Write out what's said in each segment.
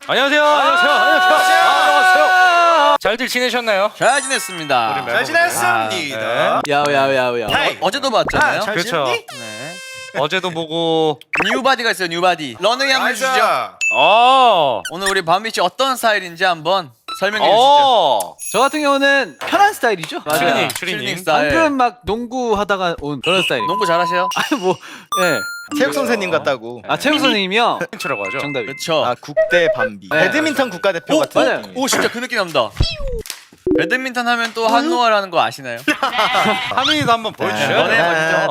안녕하세요. 안녕하세요. 잘들 지내셨나요? 잘 지냈습니다. 잘 지냈습니다. 야야야야. 어제도 봤잖아요. 잘 그렇죠. 지냈니? 네. 어제도 보고 뉴바디가 있어요. 뉴바디. 러너이 한번 주시죠. 어. 오늘 우리 밤미 씨 어떤 스타일인지 한번 설명해 주시죠. 어. 저 같은 경우는 편한 스타일이죠. 추리닝, 추리닝 추리닝. 스타일. 방금 막 농구 하다가 온 그런 스타일. 농구 잘하셔요? 아니 뭐 예. 체육 선생님 같다고. 아 체육 선생님이요. 팬츠라고 하죠. 정답이. 그렇죠. 아 국대 반비. 네. 배드민턴 국가대표 오, 같은 맞아요. 느낌이. 오 진짜 그 느낌 납니다. 배드민턴 하면 또 한노아라는 거 아시나요? 하민이도 한번 보여주시죠. 너네 해보시죠.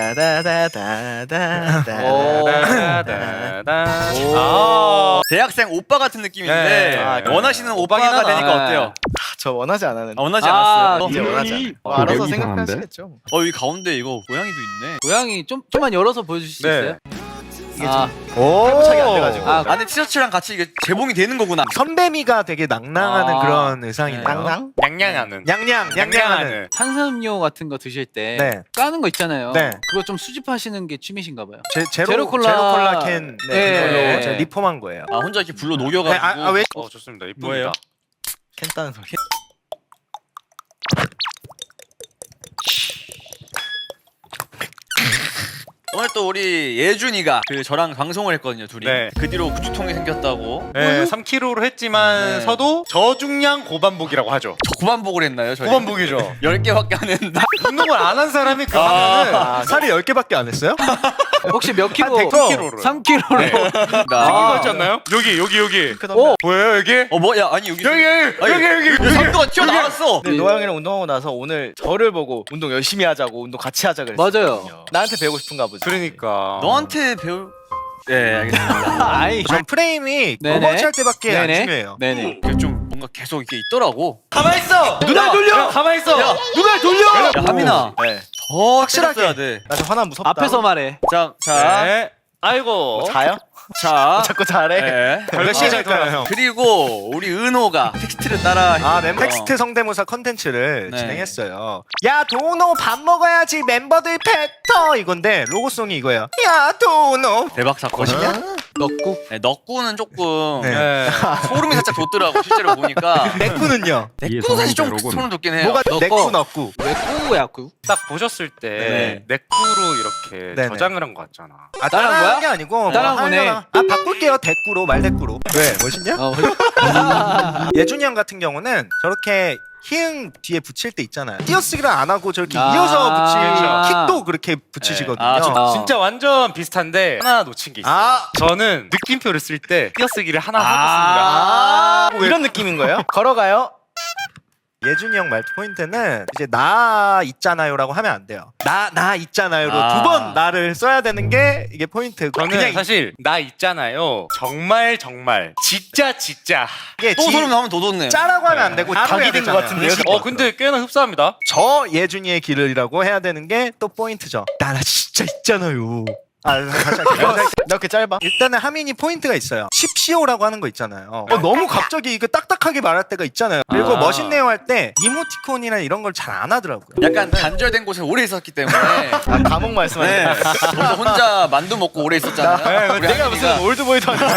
아. 대학생 오빠 같은 느낌인데 네. 원하시는 오빠가 오빠긴 하다. 되니까 어때요? 저 원하지 않았는데. 원하지 아, 않았어요? 이제 원하지 않아. 뭐 알아서 생각하시겠죠. 여기 가운데 이거 고양이도 있네. 고양이 좀만 열어서 보여주실 수 네. 있어요? 이게 아, 오. 해부착이 안 돼가지고. 아, 안에 티셔츠랑 같이 이게 재봉이 되는 거구나. 선배미가 되게 낭낭하는 아. 그런 의상이네요. 낭낭? 냥냥하는. 냥냥하는. 탄산음료 같은 거 드실 때 네. 까는 거 있잖아요. 네. 그거 좀 수집하시는 게 취미신가 봐요. 제로 콜라. 콜라 캔 네. 이걸로 네. 제가 리폼한 거예요. 아 혼자 이렇게 불로 네, 녹여가지고. 왜? 좋습니다. 이쁩니다. 뭐예요? 캔 따는 소리. 오늘 또 우리 예준이가 그 저랑 방송을 했거든요 둘이. 네. 그 뒤로 구축통이 생겼다고. 네, 3kg로 했지만서도 저중량 고반복이라고 하죠. 저 고반복을 했나요 저희? 고반복이죠. 10개밖에 안 했는데. 운동을 안 한 사람이 그 하면은 아, 살이 10개밖에 안 했어요? 혹시 몇 킬로? 100kg로. 3kg로. 네. 아. 있지 않나요? 여기. 오. 보여요 여기? 뭐야 아니 여기 여기. 삼도가 튀어나왔어. 근데 노아 형이랑 운동하고 나서 오늘 저를 보고 운동 열심히 하자고 운동 같이 하자 그랬어요. 맞아요. 나한테 배우고 싶은가 보지. 그러니까. 너한테 배울. 네 알겠습니다. 아이. 전 프레임이 네네. 오버워치 할 때밖에 안 네네. 중요해요. 네네. 이게 좀 뭔가 계속 이게 있더라고. 가만 있어. 누나 돌려. 가만 있어. 야, 누가 돌려? 야 하민아 네. 더 확실하게. 확실하게 돼. 나 좀 화나 무섭다. 앞에서 말해. 자 네. 아이고. 뭐 자요? 자. 자꾸 잘해. 네. 몇 시에 잘까요, 형? 그리고 우리 은호가 텍스트를 따라. 텍스트 성대모사 컨텐츠를 네. 진행했어요. 야 도노 밥 먹어야지 멤버들 뱉어 이건데 로고송이 이거예요. 야 도노. 대박 사건이야? 넣고. 네, 넉구는 조금 네. 네. 소름이 살짝 돋더라고 실제로 보니까. 내꾸는요. 넥구도 사실 좀 소름 돋긴 해요. 뭐가 넣고. 내꾸. 왜 꾸야 꾸? 딱 보셨을 때 네. 넥구로 이렇게 네네. 저장을 한 것 같잖아. 아 따라한 따라한 거야? 게 아니고 따라한 뭐 거네. 하려나. 아 바꿀게요 대꾸로 말대꾸로. 왜 멋있냐? 예준이 형 같은 경우는 저렇게 히응 뒤에 붙일 때 있잖아요. 띄어쓰기를 안 하고 저렇게 아. 이어서 붙일 그렇죠. 킥도 그렇게 붙이시거든요. 아, 어. 진짜 완전 비슷한데 하나 놓친 게 있어요. 아. 저는 느낌표를 쓸 때 띄어쓰기를 하나 하고 아, 이런 느낌인 거예요? 걸어가요? 예준이 형 말투 포인트는 이제 나 있잖아요라고 하면 안 돼요. 나 있잖아요로 아. 두 번 나를 써야 되는 게 이게 포인트고. 저는 그냥 사실 나 있잖아요. 정말 진짜 이게 또 소름 나면 더 돋네. 짜라고 하면 안 되고 각이 해야 된것 되잖아요. 같은데요? 근데 꽤나 흡사합니다. 저 예준이의 길을이라고 해야 되는 게 또 포인트죠. 나 진짜 있잖아요. 다시 할게요. 나 이렇게 짧아? 일단은 하민이 포인트가 있어요. 십시오라고 하는 거 있잖아요. 너무 갑자기 이거 딱딱하게 말할 때가 있잖아요. 그리고 아. 멋있네요 할 때 이모티콘이나 이런 걸 잘 안 하더라고요. 약간 단절된 곳에 오래 있었기 때문에. 아 감옥 말씀하시는 네. 저도 혼자 만두 먹고 오래 있었잖아요. 우리 내가 하민이가. 무슨 올드보이도 아니고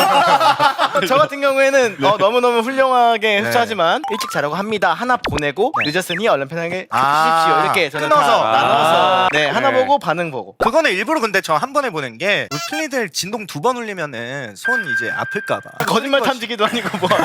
저 같은 경우에는 너무너무 훌륭하게 흡수하지만 일찍 자라고 합니다 하나 보내고 네. 늦었으니 얼른 편하게 아, 쉬십시오 이렇게 저는 끊어서. 다 나눠서 네 하나 네. 보고 반응 보고 그거는 일부러 근데 저 한 번에 보낸 게 플리들 진동 2번 울리면은 손 이제 아플까봐. 거짓말 탐지기도 아니고 뭐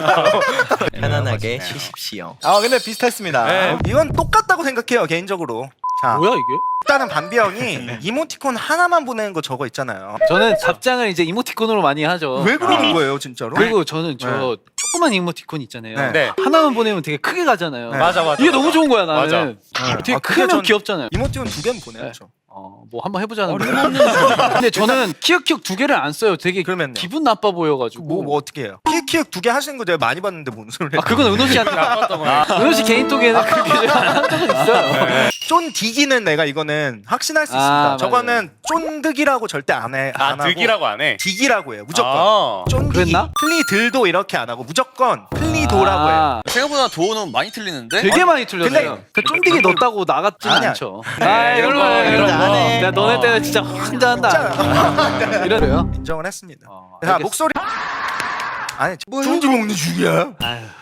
편안하게 멋있네요. 쉬십시오 근데 비슷했습니다 네. 이건 똑같다고 생각해요 개인적으로. 자, 뭐야 이게? 일단은 반비 형이 이모티콘 하나만 보내는 거 저거 있잖아요. 저는 답장을 이제 이모티콘으로 많이 하죠. 왜 그러는 거예요 진짜로? 그리고 저는 저 네. 조그만 이모티콘 있잖아요. 네. 네. 하나만 보내면 되게 크게 가잖아요. 네. 맞아. 이게 너무 좋은 거야 나는. 맞아. 되게 아, 그게 크면 전- 귀엽잖아요. 이모티콘 2개는 보내야죠. 뭐 한번 해보자는 거예요. 근데 저는 키읔키읔 2개를 안 써요. 되게 그러면요? 기분 나빠 보여가지고. 뭐 어떻게 해요? 키읔키읔 2개 하시는 거 내가 많이 봤는데 뭔 소리 아 그건 은호 씨한테 은호 씨 개인톡에는 그렇게 한 적은 있어요. 쫀 디기는 내가 이거는 확신할 수 아, 있습니다. 맞아요. 저거는 쫀득이라고 절대 안 하고 득이라고 안 해. 디기라고 해요. 무조건. 아. 쫀디기. 그랬나? 플리들도 이렇게 안 하고 무조건 플리도라고 해요. 아, 생각보다 도어는 많이 틀리는데. 되게 많이 틀렸어요. 근데 그 쫀디기 넣었다고 나갔진 아니야. 않죠. 아 이런 거 이런 거. 안 해. 내가 너네 때는 진짜 환장한다. 이런 거요. 인정을 했습니다. 자 알겠습니다. 목소리 아니 쫀지 먹는 죽이야.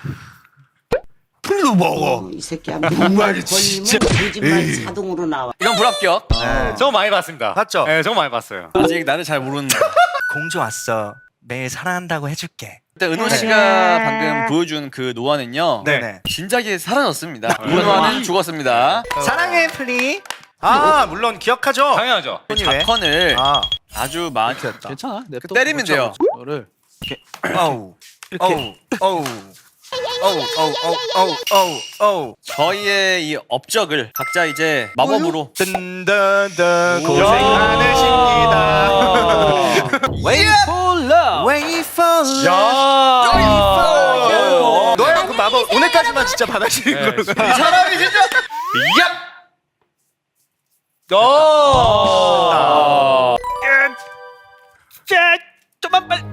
풀도 먹어. 이 새끼 한 정말 진짜 거짓말 자동으로 나와. 이건 불합격. 저 많이 봤습니다. 봤죠? 네, 저 많이 봤어요. 아직 나를 잘 모르는. 공주 왔어. 매일 사랑한다고 해줄게. 일단 은호 씨가 방금 보여준 그 노아는요. 네네. 진작에 사라졌습니다. 노아는 죽었습니다. 사랑해 플리. 아 물론 기억하죠. 당연하죠. 이 작컨을 아 아주 많이 괜찮아. 그 때리면 돼요. 이거를 어우 어우 어우 어우 어우 어우 어우 저희의 이 업적을 각자 이제 마법으로 든든든 고생 많으십니다. Wait for love. Wait for 야. 너야 그 마법 오늘까지만 진짜 받아주는 걸로. 이 사람이 진짜. 얍. 좀만 빨리.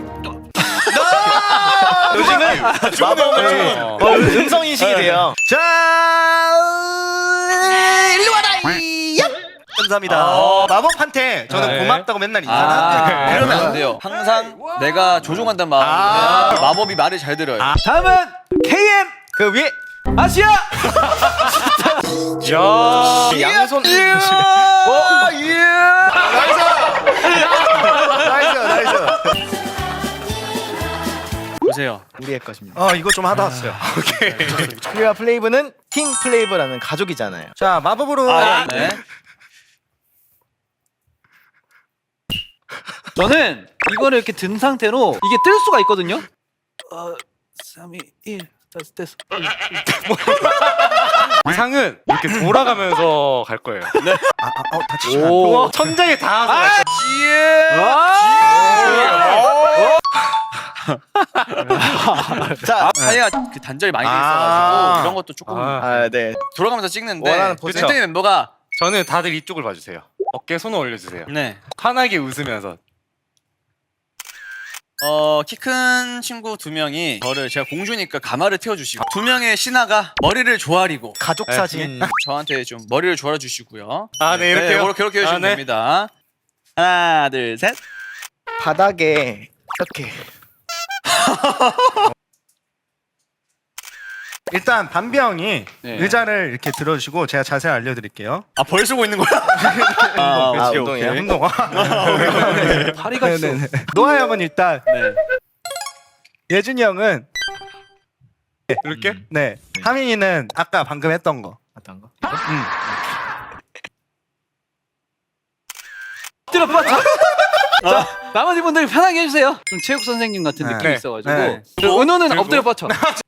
요즘은 마법을 음성 인식이 돼요. 자 일로 와라. 감사합니다. 마법한테 저는 네. 고맙다고 맨날 인사하는데 그러면 안 돼요. 항상 내가 조종한단 마음으로 마법이 말을 잘 들어요. 다음은 KM 그 위에 아시아. 양손. 나이스 나이스. 보세요. 우리의 것입니다. 이거 좀 하다 왔어요. 플리와 플레이브는 팀 플레이브라는 가족이잖아요. 자 마법으로 네. 저는 이거를 이렇게 든 상태로 이게 뜰 수가 있거든요. 3, 2, 1 됐어. 상은 이렇게 돌아가면서 갈 거예요. 다치시면 오, 천장에 닿아서. 자, 사이가 그 단절이 많이 돼 있어가지고 이런 것도 조금 네. 돌아가면서 찍는데 원하는 포즈. 벤탱이 멤버가 저는 다들 이쪽을 봐주세요. 어깨 손을 올려주세요. 네. 환하게 웃으면서. 키 큰 친구 2명이 저를 제가 공주니까 가마를 태워주시고 2명의 신하가 머리를 조아리고 가족 사진. 저한테 좀 머리를 조아려 주시고요. 아, 네, 이렇게요? 그렇게 해주시면 네. 됩니다. 하나, 둘, 셋. 바닥에 이렇게. 일단 담비 형이 네. 의자를 이렇게 들어주시고 제가 자세히 알려드릴게요. 아, 벌 쓰고 있는 거야? 아, 오케이, 운동이에요? 오케이. 운동. 파리가 있어. 노아 형은 일단 네. 예준이 형은 이렇게? 네 하민이는 아까 방금 했던 거. 어떤 거? 엎드려 뻗쳐. 자, 나머지 분들 편하게 해주세요. 좀 체육 선생님 같은 네. 느낌이 네. 있어가지고. 네. 은호는 들고. 엎드려 뻗쳐.